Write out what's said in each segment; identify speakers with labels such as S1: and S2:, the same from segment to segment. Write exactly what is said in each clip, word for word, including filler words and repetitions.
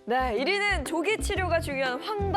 S1: 네, 일 위는 조기 치료가 중요한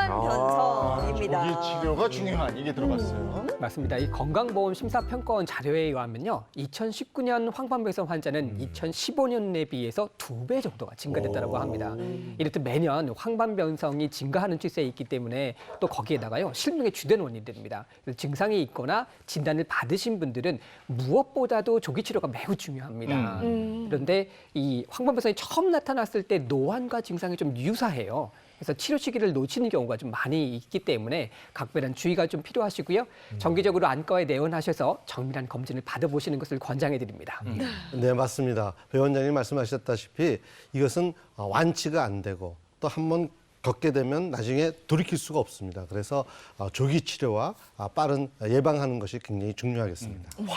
S1: 황반변성입니다.
S2: 아, 조기 치료가 중요한 이게 들어갔어요.
S3: 맞습니다. 이 건강보험 심사평가원 자료에 의하면요, 이천십구 년 황반변성 환자는 이천십오 년에 비해서 두 배 정도가 증가됐다고 합니다. 이렇듯 매년 황반변성이 증가하는 추세에 있기 때문에 또 거기에다가요 실명의 주된 원인이 됩니다. 증상이 있거나 진단을 받으신 분들은 무엇보다도 조기 치료가 매우 중요합니다.
S1: 음.
S3: 그런데 이 황반변성이 처음 나타났을 때 노안과 증상이 좀 유사해요. 그래서 치료 시기를 놓치는 경우가 좀 많이 있기 때문에 각별한 주의가 좀 필요하시고요. 정기적으로 안과에 내원하셔서 정밀한 검진을 받아보시는 것을 권장해 드립니다.
S4: 음. 네, 맞습니다. 배 원장님 말씀하셨다시피 이것은 완치가 안 되고 또 한 번 겪게 되면 나중에 돌이킬 수가 없습니다. 그래서 조기 치료와 빠른 예방하는 것이 굉장히 중요하겠습니다.
S2: 음.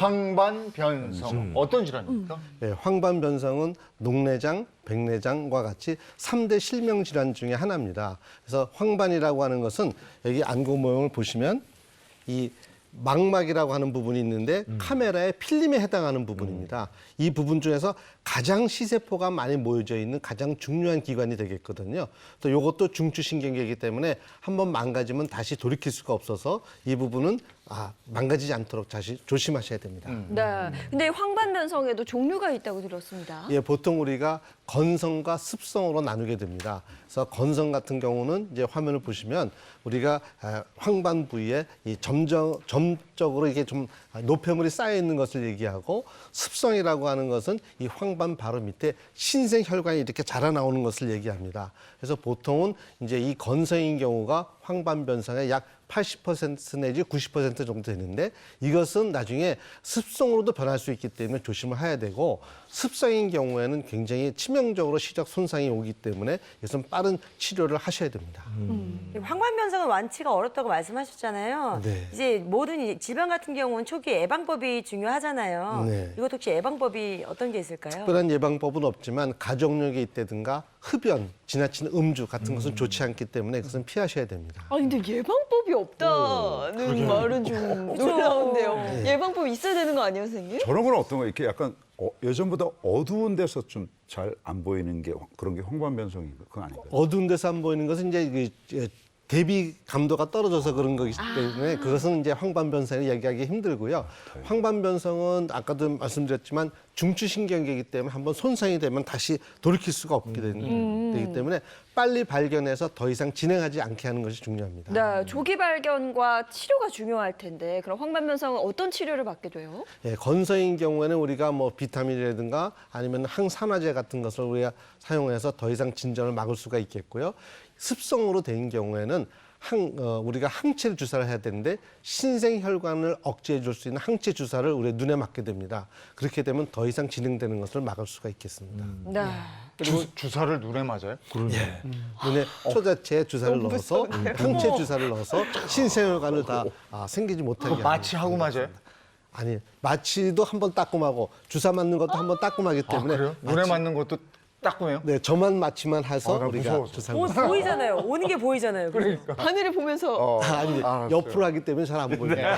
S2: 황반변성
S4: 음.
S2: 어떤 질환입니까?
S4: 네, 황반변성은 녹내장, 백내장과 같이 삼 대 실명 질환 중에 하나입니다. 그래서 황반이라고 하는 것은 여기 안구 모형을 보시면 이 망막이라고 하는 부분이 있는데 음. 카메라의 필름에 해당하는 부분입니다. 음. 이 부분 중에서 가장 시세포가 많이 모여져 있는 가장 중요한 기관이 되겠거든요. 또 이것도 중추신경계이기 때문에 한번 망가지면 다시 돌이킬 수가 없어서 이 부분은 아, 망가지지 않도록 다시 조심하셔야 됩니다.
S2: 음.
S1: 네, 근데 황반변성에도 종류가 있다고 들었습니다.
S4: 예, 보통 우리가 건성과 습성으로 나누게 됩니다. 그래서 건성 같은 경우는 이제 화면을 보시면 우리가 황반 부위에 이 점점 점적으로 이게 좀 노폐물이 쌓여 있는 것을 얘기하고, 습성이라고 하는 것은 이 황반 바로 밑에 신생 혈관이 이렇게 자라나오는 것을 얘기합니다. 그래서 보통은 이제 이 건성인 경우가 황반변성의 약 팔십 퍼센트 내지 구십 퍼센트 정도 되는데, 이것은 나중에 습성으로도 변할 수 있기 때문에 조심을 해야 되고, 습성인 경우에는 굉장히 치명적으로 시력 손상이 오기 때문에 이것은 빠른 치료를 하셔야 됩니다.
S5: 음. 황반변성은 완치가 어렵다고 말씀하셨잖아요.
S4: 네.
S5: 이제 모든 질병 같은 경우는 초기 예방법이 중요하잖아요.
S4: 네.
S5: 이것 혹시 예방법이 어떤 게 있을까요?
S4: 특별한 예방법은 없지만 가족력이 있다든가 흡연, 지나친 음주 같은 것은 좋지 않기 때문에 그것은 피하셔야 됩니다.
S1: 아 근데 예방법이 없다는 말은 좀 놀라운데요. 예방법이 있어야 되는 거 아니에요, 선생님?
S6: 저런 건 어떤 거 이렇게 약간 어, 예전보다 어두운 데서 좀 잘 안 보이는 게 그런 게 황반변성인가? 그건 아닌가요?
S4: 어두운 데서 안 보이는 것은 이제 그 대비 감도가 떨어져서 그런 거기 때문에 그것은 이제 황반변성을 얘기하기 힘들고요. 황반변성은 아까도 말씀드렸지만 중추신경계이기 때문에 한번 손상이 되면 다시 돌이킬 수가 없게 되는,
S1: 음.
S4: 되기 때문에 빨리 발견해서 더 이상 진행하지 않게 하는 것이 중요합니다.
S1: 네, 조기 발견과 치료가 중요할 텐데 그럼 황반변성은 어떤 치료를 받게 돼요?
S4: 예, 건성인 경우에는 우리가 뭐 비타민이라든가 아니면 항산화제 같은 것을 우리가 사용해서 더 이상 진전을 막을 수가 있겠고요. 습성으로 된 경우에는 항, 어, 우리가 항체 주사를 해야 되는데 신생 혈관을 억제해 줄 수 있는 항체 주사를 우리 눈에 맞게 됩니다. 그렇게 되면 더 이상 진행되는 것을 막을 수가 있겠습니다.
S1: 네.
S2: 주, 주사를 눈에 맞아요?
S4: 예. 눈에 초자체 주사를 넣어서 항체 주사를 넣어서 신생 혈관을 다 아, 생기지 못하게 하는
S2: 마취하고 맞아요?
S4: 아니, 마취도 한번 따끔하고 주사 맞는 것도 한번 따끔하기
S2: 아,
S4: 때문에
S2: 그래요? 눈에 맞는 것도 따끔해요?
S4: 네, 저만 마취만 해서
S2: 아, 나
S4: 우리가
S2: 무서워서.
S4: 주사를
S5: 오,
S4: 맞습니다.
S5: 보이잖아요. 오는 게 보이잖아요. 그러니까.
S1: 하늘을 보면서
S2: 어,
S4: 아, 아니,
S2: 알았어요.
S4: 옆으로 하기 때문에 잘 안 보여요.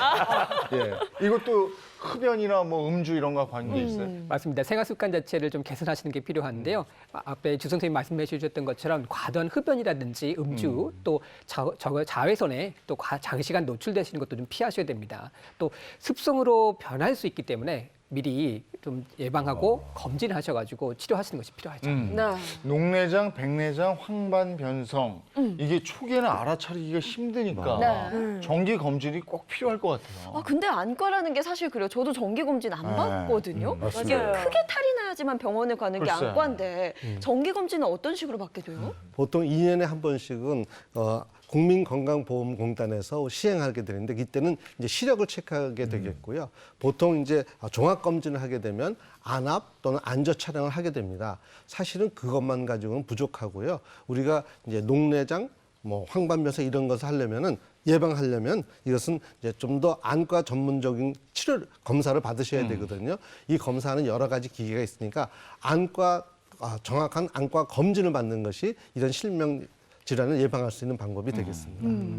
S2: 예. 이것도 흡연이나 뭐 음주 이런 거 관계 있어요?
S3: 맞습니다. 생활 습관 자체를 좀 개선하시는 게 필요한데요. 아, 앞에 주 선생님 말씀해 주셨던 것처럼 과도한 흡연이라든지 음주, 또 자, 저, 자외선에 또 과, 장시간 노출되시는 것도 좀 피하셔야 됩니다. 또 습성으로 변할 수 있기 때문에 미리 좀 예방하고 검진하셔가지고 치료하시는 것이 필요하죠.
S2: 음.
S1: 네.
S2: 녹내장, 백내장, 황반변성 이게 초기에는 알아차리기가 힘드니까
S1: 네.
S2: 정기 검진이 꼭 필요할 것 같아요.
S1: 아 근데 안과라는 게 사실 그래요. 저도 정기 검진 안
S2: 네.
S1: 받거든요.
S2: 음,
S1: 이게
S5: 맞아요.
S1: 크게 탈이 나야지만 병원에 가는 게
S2: 글쎄.
S1: 안과인데 정기 검진은 어떤 식으로 받게 돼요?
S4: 보통 이 년에 한 번씩은 어, 국민건강보험공단에서 시행하게 되는데 이때는 이제 시력을 체크하게 되겠고요. 보통 이제 종합 검진을 하게 되면 안압 또는 안저 촬영을 하게 됩니다. 사실은 그것만 가지고는 부족하고요. 우리가 이제 녹내장, 뭐 황반변성 이런 것을 하려면은 예방하려면 이것은 이제 좀 더 안과 전문적인 치료 검사를 받으셔야 되거든요. 이 검사는 여러 가지 기계가 있으니까 안과 아, 정확한 안과 검진을 받는 것이 이런 실명 질환을 예방할 수 있는 방법이 되겠습니다.
S1: 음.